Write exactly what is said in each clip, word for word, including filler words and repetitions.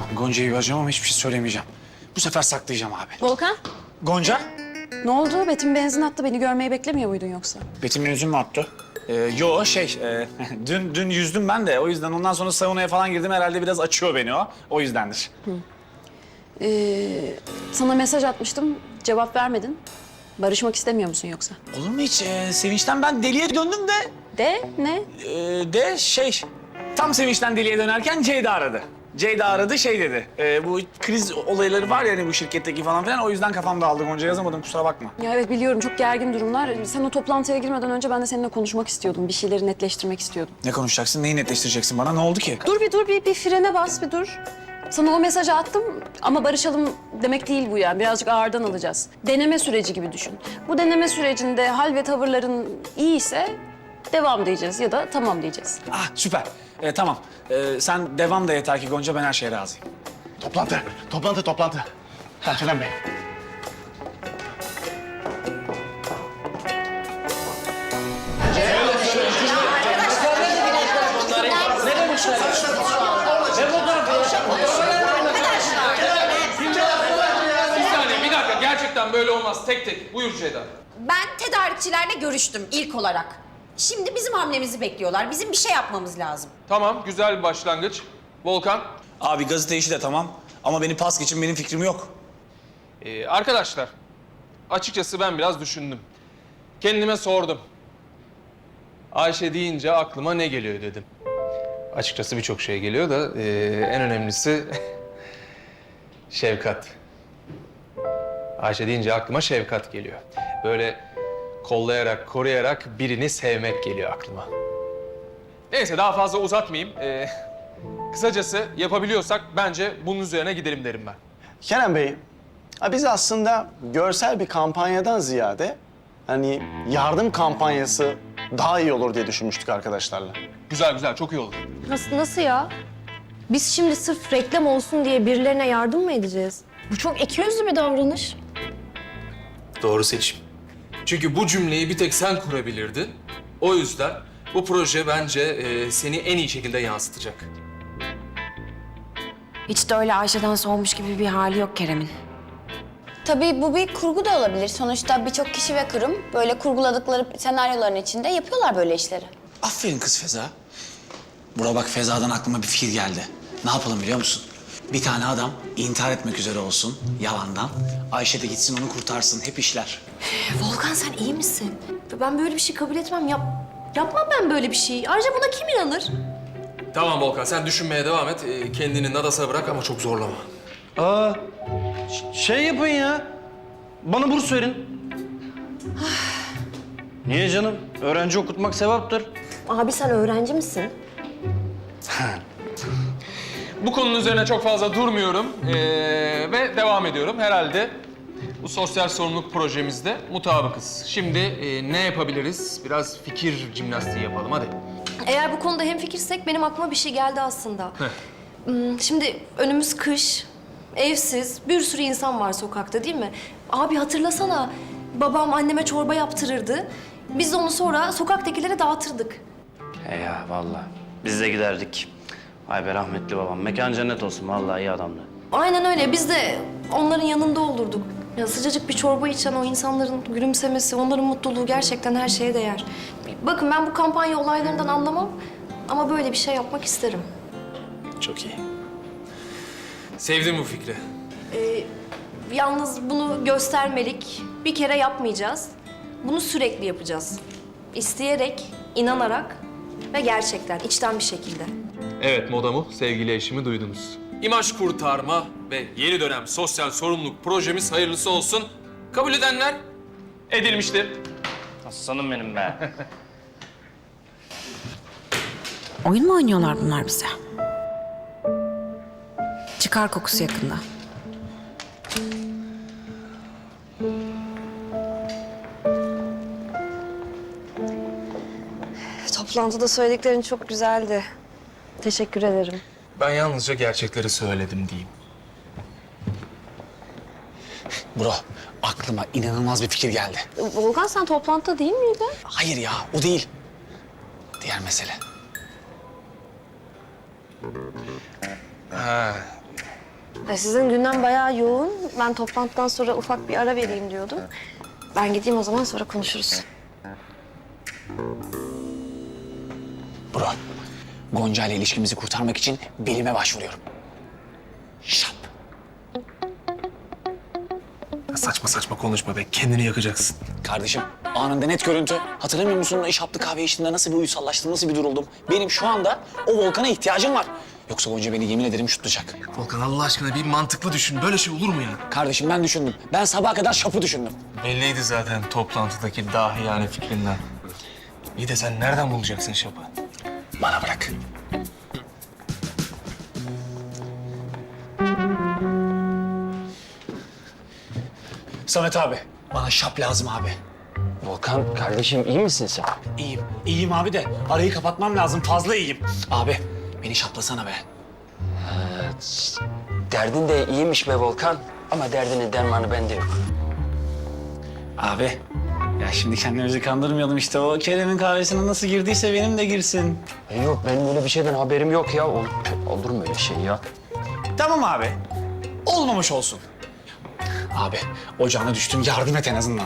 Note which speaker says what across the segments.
Speaker 1: Tamam, Gonca'yı vereceğim ama hiçbir şey söylemeyeceğim. Bu sefer saklayacağım abi.
Speaker 2: Volkan,
Speaker 1: Gonca?
Speaker 2: ne oldu? Betim benzin attı. Beni görmeyi beklemiyor muydun yoksa?
Speaker 1: Betim'in yüzü mü attı? Ee, yo şey, e, dün dün yüzdüm ben de o yüzden ondan sonra saunaya falan girdim herhalde biraz açıyor beni o. O yüzdendir.
Speaker 2: Ee, sana mesaj atmıştım. Cevap vermedin. Barışmak istemiyor musun yoksa?
Speaker 1: Olur mu hiç? Ee, sevinçten ben deliye döndüm de.
Speaker 2: De ne?
Speaker 1: Ee, de şey, tam sevinçten deliye dönerken Ceyda aradı. Ceyda aradı şey dedi. e, bu kriz olayları var ya hani bu şirketteki falan filan o yüzden kafam dağıldı Gonca yazamadım kusura bakma.
Speaker 2: Ya evet biliyorum çok gergin durumlar. Sen o toplantıya girmeden önce ben de seninle konuşmak istiyordum. Bir şeyleri netleştirmek istiyordum.
Speaker 1: Ne konuşacaksın, neyi netleştireceksin bana? Ne oldu ki?
Speaker 2: Dur bir dur bir, bir frene bas bir dur. Sana o mesajı attım ama barışalım demek değil bu yani. Birazcık ağırdan alacağız. Deneme süreci gibi düşün. Bu deneme sürecinde hal ve tavırların iyiyse devam diyeceğiz ya da tamam diyeceğiz.
Speaker 1: Ah süper. Ee, tamam. Ee, sen devam da yeter ki Gonca ben her şeye razıyım.
Speaker 3: Toplantı, toplantı, toplantı. Ha, Kenan Bey.
Speaker 4: Bir saniye, bir dakika. Gerçekten böyle olmaz. Tek tek. Buyur Ceyda.
Speaker 5: Ben tedarikçilerle görüştüm ilk olarak. Şimdi bizim hamlemizi bekliyorlar. Bizim bir şey yapmamız lazım.
Speaker 4: Tamam, güzel bir başlangıç. Volkan.
Speaker 1: Abi gazete işi de tamam ama beni pas geçin benim fikrim yok.
Speaker 4: Ee, arkadaşlar, açıkçası ben biraz düşündüm. Kendime sordum. Ayşe deyince aklıma ne geliyor dedim. Açıkçası birçok şey geliyor da ee, en önemlisi Şefkat. Ayşe deyince aklıma Şefkat geliyor. Böyle kollayarak, koruyarak birini sevmek geliyor aklıma. Neyse daha fazla uzatmayayım. Ee, kısacası yapabiliyorsak bence bunun üzerine gidelim derim ben.
Speaker 3: Kenan Bey, ha biz aslında görsel bir kampanyadan ziyade hani yardım kampanyası daha iyi olur diye düşünmüştük arkadaşlarla.
Speaker 4: Güzel güzel, çok iyi olur.
Speaker 6: Nasıl, nasıl ya? Biz şimdi sırf reklam olsun diye birilerine yardım mı edeceğiz? Bu çok ikiyüzlü bir davranış.
Speaker 4: Doğru seçim. Çünkü bu cümleyi bir tek sen kurabilirdin. O yüzden bu proje bence e, seni en iyi şekilde yansıtacak.
Speaker 7: Hiç de öyle Ayşe'den soğumuş gibi bir hali yok Kerem'in.
Speaker 8: Tabii bu bir kurgu da olabilir. Sonuçta birçok kişi ve kurum böyle kurguladıkları senaryoların içinde yapıyorlar böyle işleri.
Speaker 1: Aferin kız Feza. Bura bak Feza'dan aklıma bir fikir geldi. Ne yapalım biliyor musun? Bir tane adam intihar etmek üzere olsun yalandan. Ayşe de gitsin onu kurtarsın. Hep işler.
Speaker 6: Volkan sen iyi misin? Ben böyle bir şey kabul etmem. Yap, yapmam ben böyle bir şey. Ayrıca buna kim inanır?
Speaker 4: Tamam Volkan, sen düşünmeye devam et. E, kendini Nadas'a bırak ama çok zorlama.
Speaker 9: Aa, ş- şey yapın ya. Bana burs verin. Niye canım? Öğrenci okutmak sevaptır.
Speaker 6: Abi sen öğrenci misin?
Speaker 4: Bu konunun üzerine çok fazla durmuyorum e, ve devam ediyorum. Herhalde bu sosyal sorumluluk projemizde mutabıkız. Şimdi e, ne yapabiliriz? Biraz fikir jimnastiği yapalım, hadi.
Speaker 6: Eğer bu konuda hemfikirsek benim aklıma bir şey geldi aslında. Hmm, Şimdi önümüz kış, evsiz, bir sürü insan var sokakta değil mi? Abi hatırlasana, babam anneme çorba yaptırırdı. Biz de onu sonra sokaktakilere dağıtırdık.
Speaker 9: He ya vallahi. Biz de giderdik. Vay be rahmetli babam. Mekan cennet olsun. Vallahi iyi adamdı.
Speaker 6: Aynen öyle, biz de onların yanında olurduk. Ya sıcacık bir çorba içen o insanların gülümsemesi, onların mutluluğu gerçekten her şeye değer. Bakın ben bu kampanya olaylarından anlamam ama böyle bir şey yapmak isterim.
Speaker 1: Çok iyi.
Speaker 4: Sevdim bu fikri.
Speaker 6: Ee, yalnız bunu göstermelik bir kere yapmayacağız. Bunu sürekli yapacağız. İsteyerek, inanarak ve gerçekten içten bir şekilde.
Speaker 4: Evet Modamu, sevgili eşimi duydunuz. İmaj kurtarma ve yeni dönem sosyal sorumluluk projemiz hayırlısı olsun. Kabul edenler edilmiştir.
Speaker 9: Aslanım benim be.
Speaker 7: Oyun mu oynuyorlar bunlar bize? Çıkar kokusu yakında.
Speaker 6: Toplantıda söylediklerin çok güzeldi. Teşekkür ederim.
Speaker 4: Ben yalnızca gerçekleri söyledim diyeyim.
Speaker 1: Bro aklıma inanılmaz bir fikir geldi.
Speaker 6: Volkan sen toplantıda değil miydin?
Speaker 1: Hayır ya o değil. Diğer mesele.
Speaker 4: Ha,
Speaker 6: E, sizin gündem bayağı yoğun. Ben toplantıdan sonra ufak bir ara vereyim diyordum. Ben gideyim o zaman, sonra konuşuruz.
Speaker 1: Bro, Gonca ile ilişkimizi kurtarmak için bilime başvuruyorum. Şap.
Speaker 4: Saçma saçma konuşma be. Kendini yakacaksın.
Speaker 1: Kardeşim, anında net görüntü. Hatırlamıyor musun o şaplı kahve içtiğinde nasıl bir uyusallaştım, nasıl bir duruldum? Benim şu anda o Volkan'a ihtiyacım var. Yoksa Gonca beni yemin ederim şutlayacak.
Speaker 4: Volkan Allah aşkına bir mantıklı düşün. Böyle şey olur mu ya?
Speaker 1: Kardeşim ben düşündüm. Ben sabaha kadar şapı düşündüm.
Speaker 4: Belliydi zaten toplantıdaki dahiyane fikrinden. İyi de sen nereden bulacaksın şapı?
Speaker 1: Bana bırak. Samet abi, bana şap lazım abi.
Speaker 9: Volkan kardeşim iyi misin sen?
Speaker 1: İyiyim, iyiyim abi de arayı kapatmam lazım. Fazla iyiyim. Abi, beni şaplasana be.
Speaker 9: Derdin de iyiymiş be Volkan. Ama derdinin dermanı bende yok.
Speaker 1: Abi, ya şimdi kendimizi kandırmayalım işte. O Kerem'in kahvesine nasıl girdiyse benim de girsin.
Speaker 9: E yok benim öyle bir şeyden haberim yok ya. Ol, olur mu öyle şey ya?
Speaker 1: Tamam abi, olmamış olsun. Abi, ocağına düştüm, yardım et en azından.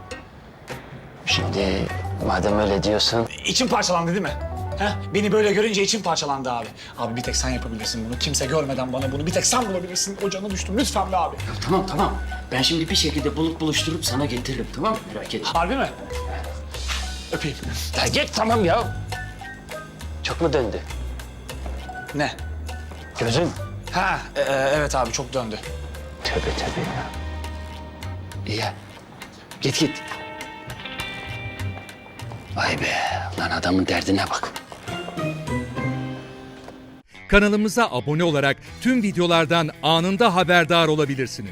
Speaker 9: Şimdi madem öyle diyorsun.
Speaker 1: İçim parçalandı değil mi? Heh, beni böyle görünce içim parçalandı abi. Abi bir tek sen yapabilirsin bunu. Kimse görmeden bana bunu bir tek sen bulabilirsin. Ocağına düştüm lütfen be abi.
Speaker 9: Tamam tamam. Ben şimdi bir şekilde bulup buluşturup sana getiririm tamam mı? Merak etme.
Speaker 1: Harbi mi? Öpeyim.
Speaker 9: Ya git tamam ya. Çok mu döndü?
Speaker 1: Ne?
Speaker 9: Gözün.
Speaker 1: Ha, e- e- evet abi çok döndü.
Speaker 9: Tövbe tövbe ya. İyi ya. Git git. Vay be. Lan adamın derdine bak.
Speaker 10: Kanalımıza abone olarak tüm videolardan anında haberdar olabilirsiniz.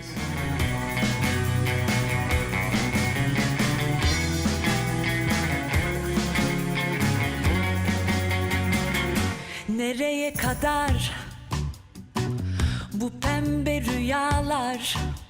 Speaker 11: Nereye kadar bu pembe rüyalar?